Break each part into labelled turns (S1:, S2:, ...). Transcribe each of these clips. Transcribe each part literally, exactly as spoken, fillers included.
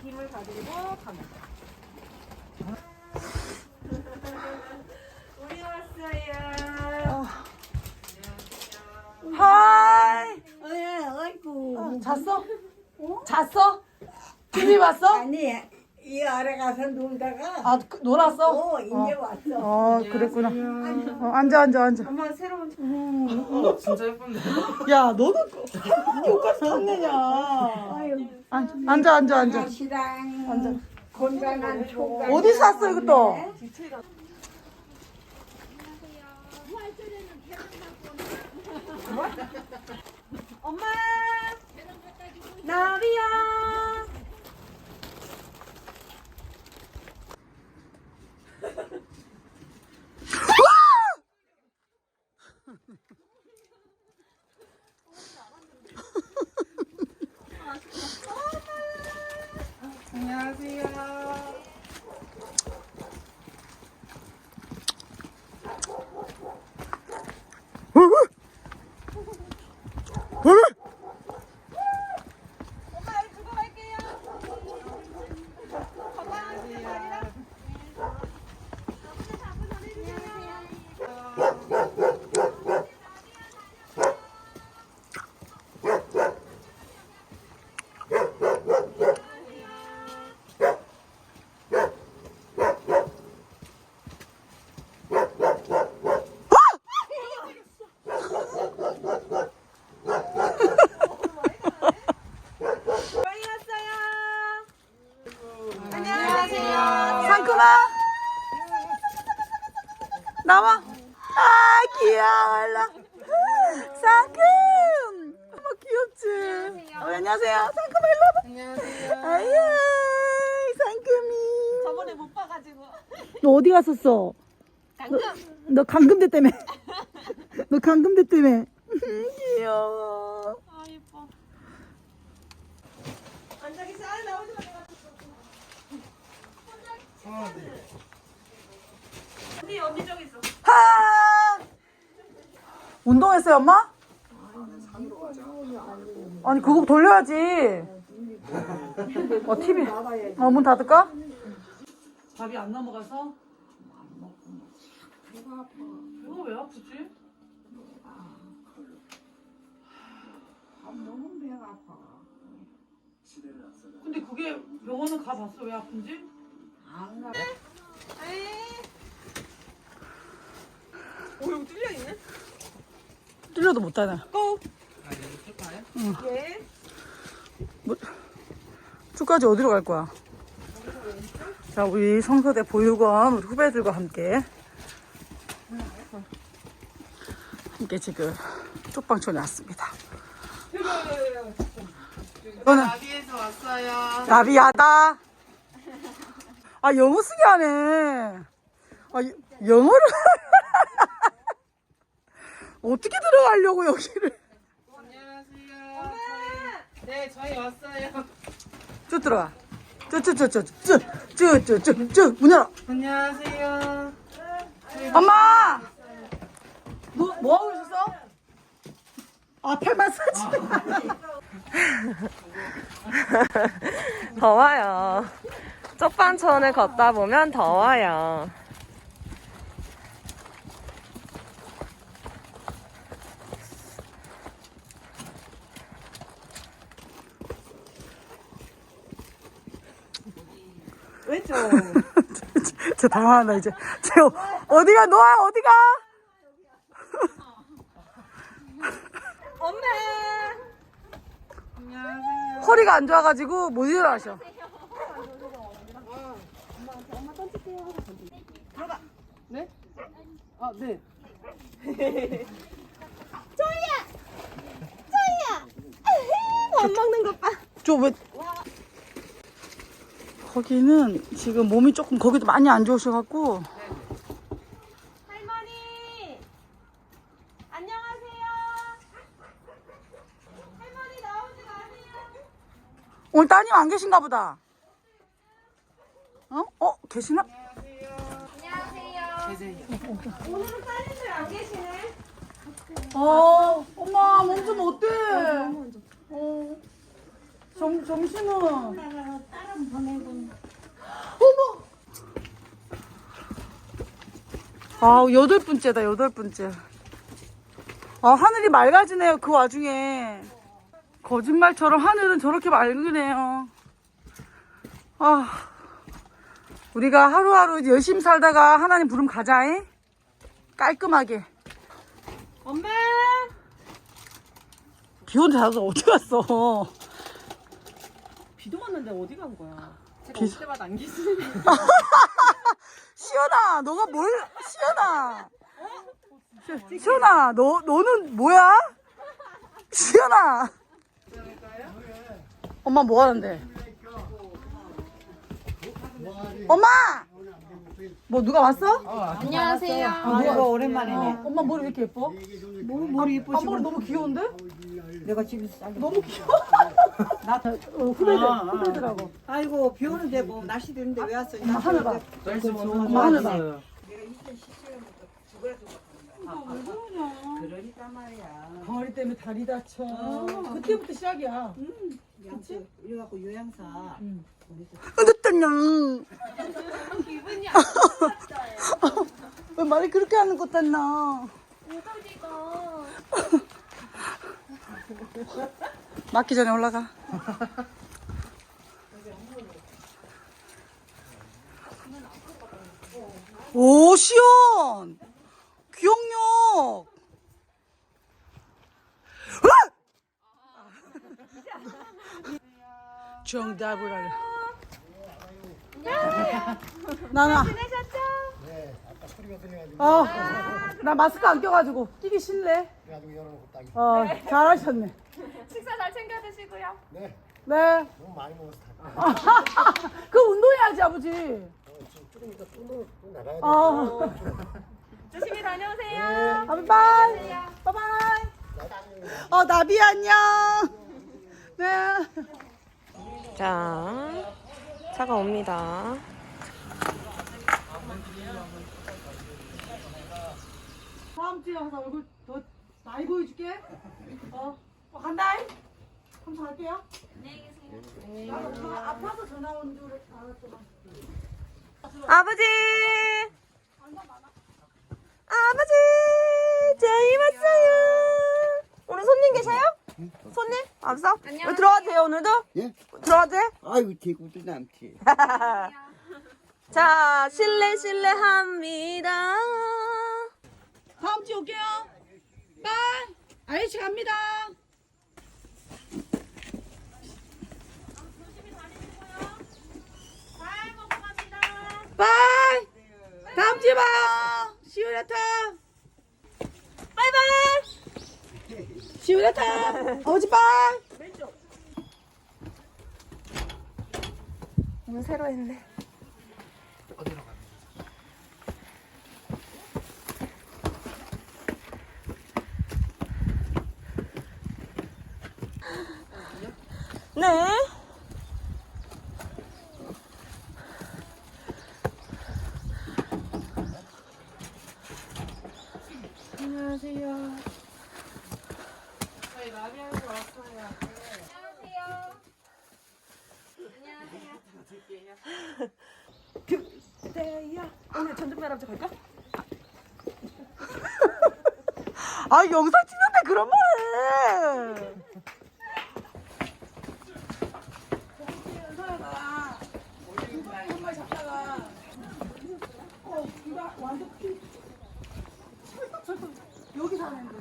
S1: 힘을 가지고 가면 돼. 우리 왔어요.
S2: 하이.
S3: 예, 아이고.
S2: 잤어? 잤어? 티비 봤어?
S3: 아니, 이 아래 가서 놀다가,
S2: 아, 그, 놀았어?
S3: 어, 이제 왔어.
S2: 어, 그랬구나. 어, 앉아, 앉아, 앉아.
S1: 엄마 새로운
S4: 어, 진짜 예쁜데.
S2: 야, 너는 여기까지 탔느냐. 앉아, 앉아, 앉아, 앉아.
S3: 시랑
S2: 앉아.
S3: 건강한 초가.
S2: 어디 샀어, 이것도?
S1: 엄마 나비야.
S4: 안녕하세요.
S1: 엄마 여기 두고 갈게요. 건강하세요. 다리랑. 많이 왔어요. 안녕하세요.
S2: 상큼아. 나와. 아, 귀여워. 일로 와. 상큼. 어머, 귀엽지? 어, 안녕하세요. 상큼아, 일로 와봐.
S4: 안녕하세요.
S2: 아유, 상큼이.
S1: 저번에 못 봐가지고.
S2: 너 어디 갔었어?
S1: 강금.
S2: 너 강금대 때문에. 너 강금대 때문에. 귀여워.
S1: 아 예뻐. 앉아 계세요. 아 나오지 마. 언니 언니 저기 있어.
S2: 하! 운동했어요, 엄마? 아니, 그거 돌려야지. 어, 티비. 어, 문 닫을까? 밥이 안 넘어가서? 배가 아파. 배가 왜 아프지?
S3: 너무 배가 아파.
S2: 근데 그게 병원은 가봤어. 왜 아픈지?
S3: 안 가.
S1: 오 여기 뚫려 있네.
S2: 뚫려도 못 닫아.
S1: 고.
S4: 아, 여기 쓸까요?
S1: 예.
S2: 뭐, 축까지 어디로 갈 거야? 자, 우리 성서대 보육원 우리 후배들과 함께 함께 지금 쪽방촌에 왔습니다. 이거는
S4: 나비에서 왔어요.
S2: 나비하다. 아, 영어 쓰기 하네. 아, 여- 영어를 어떻게 들어가려고 여기를?
S4: 안녕하세요. 저희, 네, 저희 왔어요.
S2: 쭉 들어가. 쭉쭉쭉쭉쭉쭉쭉쭉 문 열어.
S4: 안녕하세요.
S2: 엄마! 뭐, 뭐 하고 있었어? 아, 팔 마사지.
S5: 더워요. 쪽방촌을 걷다 보면 더워요.
S1: 왼쪽.
S2: 저 당황한다, 이제. 쟤 어- 어디가, 너야, 어디가?
S1: 엄마.
S4: 안녕하세요.
S2: 허리가 안 좋아가지고 못 일어나셔.
S4: 아, 네.
S1: 밥 먹는 것 봐.
S2: 저 왜. 거기는 지금 몸이 조금, 거기도 많이 안 좋으셔갖고.
S1: 할머니. 안녕하세요. 할머니 나오지 마세요.
S2: 오늘 따님 안 계신가 보다. 어? 어? 계시나?
S4: 계세요.
S1: 오늘은 따님들 안 계시네.
S2: 어, 엄마, 몸 좀 어때? 어, 점, 점심은? 어머! 아, 여덟 분째다, 여덟 분째. 아, 하늘이 맑아지네요, 그 와중에. 거짓말처럼 하늘은 저렇게 맑으네요. 아, 우리가 하루하루 열심히 살다가 하나님 부름 가자잉? 깔끔하게.
S1: 엄마!
S2: 비 온데 나서 어디 갔어?
S1: 비도 왔는데 어디 간 거야? 제가
S2: 비-
S1: 올 때마다 안 계시네.
S2: 시연아, 너가 뭘, 시연아. 시- 시연아, 너, 너는 뭐야? 시연아. 엄마 뭐 하는데? 엄마! 뭐 누가 왔어?
S1: 안녕하세요.
S2: 아, 누가
S3: 오랜만이네.
S2: 엄마 머리 왜 이렇게 예뻐?
S3: 뭐 머리
S2: 아,
S3: 예쁘시고.
S2: 머리 너무 귀여운데?
S3: 내가 집에서 잘라.
S2: 너무 귀여워. 나 어, 후배들, 후배들하고.
S3: 아이고 비 오는데 뭐 날씨 되는데 왜 왔어?
S2: 엄마 하늘 봐.
S4: 날씨
S2: 엄마 하늘 봐.
S3: 그러니까 말이야.
S2: 덩어리 때문에 다리 다쳐. 그때부터 시작이야.
S3: 양치 이래갖고 요양사.
S2: 어쨌든 기분이 안 좋았어요. 왜 말이 그렇게 하는 것 같나?
S1: 우거지가.
S2: 맞기 전에 올라가. 오, 시원! 기억력! 으악! 정답을 알려. 나나.
S1: 지내셨죠?
S2: 어, 나 마스크 안 껴가지고 끼기 싫네. 어, 잘하셨네.
S1: 식사 잘 챙겨 드시고요.
S2: 네.
S6: 너무 많이 먹어서 다
S2: 그 운동해야지, 아버지.
S6: 조금 이따 또, 또 나가야 돼.
S2: 어.
S1: 조심히 다녀오세요.
S2: 바이바이. 바이바이. 어, 나비 안녕. 네.
S5: 자, 차가 옵니다.
S2: 다음 주에 와서 얼굴 더 많이 보여줄게. 어, 어 간다. 한번 갈게요. 안녕히 계세요. 나도 엄마 아파서 전화 온 줄 알았더만.
S5: 아버지! 아버지! 저희 왔어요! 오늘 손님 계셔요? 손님? 없어? 안녕. 들어가도 돼요, 오늘도?
S6: 예?
S5: 들어가도 돼?
S6: 아이고 대구도 남지.
S5: 자, 실례, 실례합니다.
S2: 다음 주에 올게요. 빠이. 아저씨 갑니다. 빠이. 다음 주에 봐요. 시우라타. 바이바이. 시우라타. 아버지 빠이.
S5: 오늘 새로 했네. 네.
S2: 안녕하세요.
S4: 저희 라비아에서 왔어요.
S5: 오늘 전주배랍지 갈까?
S2: 아, 영상 찍는데 그런 말 해. 여기 사는데.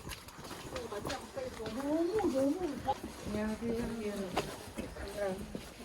S2: 너무 너무.
S3: 안녕하세요.